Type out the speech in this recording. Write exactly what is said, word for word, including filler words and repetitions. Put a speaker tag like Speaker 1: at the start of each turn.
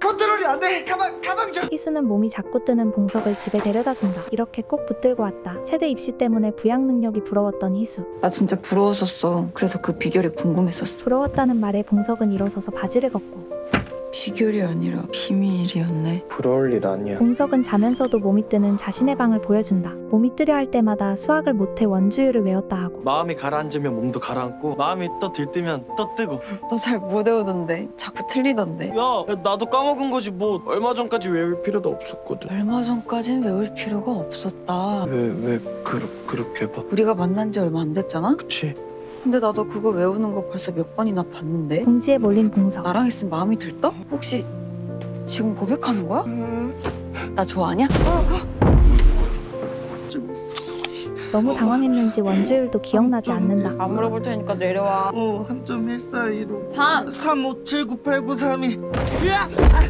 Speaker 1: 컨트롤이 안 돼. 가방 가방 좀.
Speaker 2: 희수는 몸이 자꾸 뜨는 봉석을 집에 데려다준다. 이렇게 꼭 붙들고 왔다. 최대 입시 때문에 부양 능력이 부러웠던 희수.
Speaker 3: 나 진짜 부러웠었어. 그래서 그 비결이 궁금했었어.
Speaker 2: 부러웠다는 말에 봉석은 일어서서 바지를 걷고,
Speaker 3: 비결이 아니라 비밀이었네.
Speaker 1: 부러울 일 아니야.
Speaker 2: 봉석은 자면서도 몸이 뜨는 자신의 방을 보여준다. 몸이 뜨려 할 때마다 수학을 못해 원주율을 외웠다 하고,
Speaker 4: 마음이 가라앉으면 몸도 가라앉고 마음이 또 들뜨면 또 뜨고.
Speaker 3: 너 잘 못 외우던데. 자꾸 틀리던데.
Speaker 4: 야, 나도 까먹은 거지 뭐. 얼마 전까지 외울 필요도 없었거든.
Speaker 3: 얼마 전까진 외울 필요가 없었다.
Speaker 4: 왜 왜 그러, 그렇게 봐?
Speaker 3: 우리가 만난 지 얼마 안 됐잖아?
Speaker 4: 그치?
Speaker 3: 근데 나도 그거 외우는 거 벌써 몇 번이나 봤는데.
Speaker 2: 궁지에 몰린 봉석.
Speaker 3: 나랑 있으면 마음이 들떠? 혹시 지금 고백하는 거야?
Speaker 1: 음,
Speaker 3: 나 좋아하냐?
Speaker 1: 좀 있어.
Speaker 2: 너무 당황했는지 원주율도 기억나지 않는다.
Speaker 5: 안 물어볼 테니까 내려와.
Speaker 1: 어, 삼 점 일사이로
Speaker 5: 삼.
Speaker 1: 삼 오 칠 구 팔 구 삼 이.